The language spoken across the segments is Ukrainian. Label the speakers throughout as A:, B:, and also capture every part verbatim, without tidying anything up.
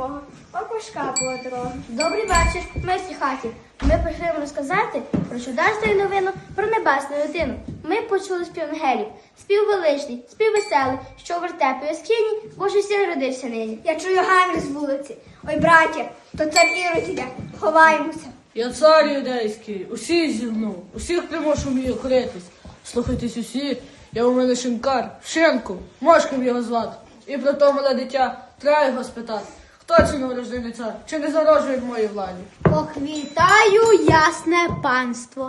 A: мого, окушка була дорога. Добрий вечір, ми в цій хаті. Ми прийшли вам розказати про чудесну новину про небесну дитину. Ми почули спів ангелів, спів величний, спів веселий, що в вертепі оскіні Божий син родився нині.
B: Я чую гамір з вулиці. Ой, браття, то цар Ірод іде. Ховаємося.
C: Я цар юдейський, усіх зігнув, усіх примушу вмію коритись. Слухайтесь усі, я у мене шинкар, Шинку, Мошком його звати. І про то мале дитя, треба його спитати, хто це новорождений цар, чи не зарожує в моїй владі?
D: Ох, вітаю, ясне панство,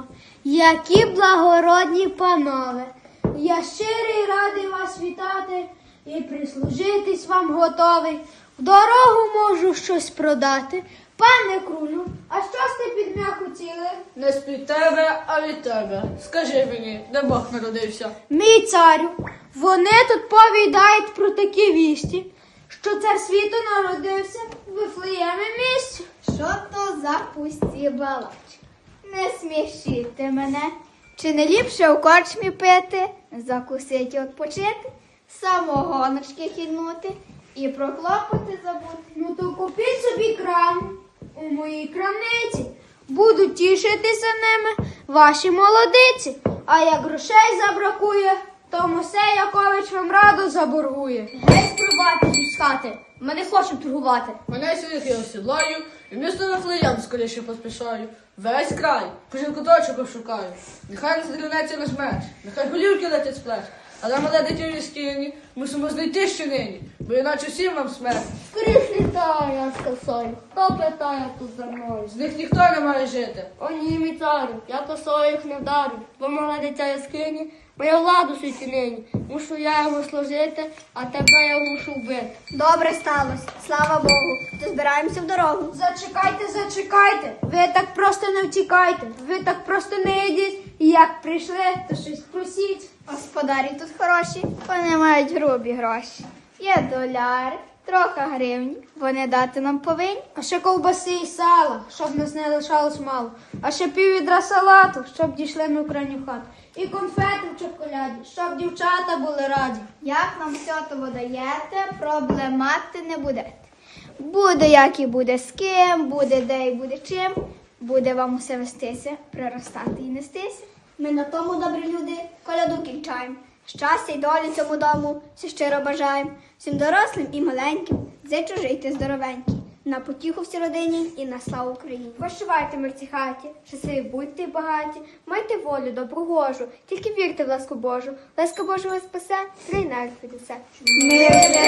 D: які благородні панове. Я щирий радий вас вітати і прислужитись вам готовий. В дорогу можу щось продати. Пане крулю, а що сте під м'яку ціли?
C: Не з-під тебе, а від тебе. Скажи мені, де Бог народився?
D: Мій царю, вони тут повідають про такі вісті, що цар світу народився в Вифлеємі місті.
B: Що то за пусті балачки? Не смішіть мене. Чи не ліпше у корчмі пити, закусить і відпочити, самогоночки хіднути і про клопоти забути?
D: Ну то купіть собі крам у моїй крамниці. Будуть тішитися ними ваші молодиці. А як грошей забракує, то Мосей Якович вам раду заборгує.
A: Геть пробати з хати, ми не хочемо торгувати.
C: Мене сьогодні я осідлаю, і в місто Вифлеєм скоріше поспішаю. Весь край, кожен куточок обшукаю. Нехай не здрівнеться наш меч, нехай голівки летять з плеч. Але мале дитя в скині мусимо знайти ще нині, бо іначе всім нам смерть.
D: Скоріш літаю я з косою. Хто питає тут за мною?
C: З них ніхто не має жити.
D: О ні, мій царю, я косою їх не вдарю. Бо мале дитя я скині, моя влада у світі нині. Мушу я йому служити, а тебе я мушу вбити.
B: Добре сталося, слава Богу. То збираємося в дорогу.
D: Зачекайте, зачекайте. Ви так просто не втікайте. Ви так просто не йдіть. І як прийшли, то щось просіть.
B: Господарі тут хороші, вони мають грубі гроші. Є доляри, трохи гривні, вони дати нам повинні.
D: А ще ковбаси і сала, щоб нас не лишалось мало. А ще піввідра салату, щоб дійшли ми в крайню хату. І конфети в чоколяді, щоб дівчата були раді.
B: Як нам все того даєте, проблемати не будете. Буде як і буде з ким, буде де і буде чим, буде вам усе вестися, приростати і нестися. Ми на тому, добрі люди, коляду кінчаємо. Щастя й долі цьому дому всі щиро бажаємо. Всім дорослим і маленьким, зичу жити здоровенькі. На потіху всій родині і на славу Україні. Прощавайте ми в цій хаті, щасливі будьте й багаті, майте волю добру гожу, тільки вірте в ласку Божу. Ласка Божа вас спасе, трійнер піднесе. Ми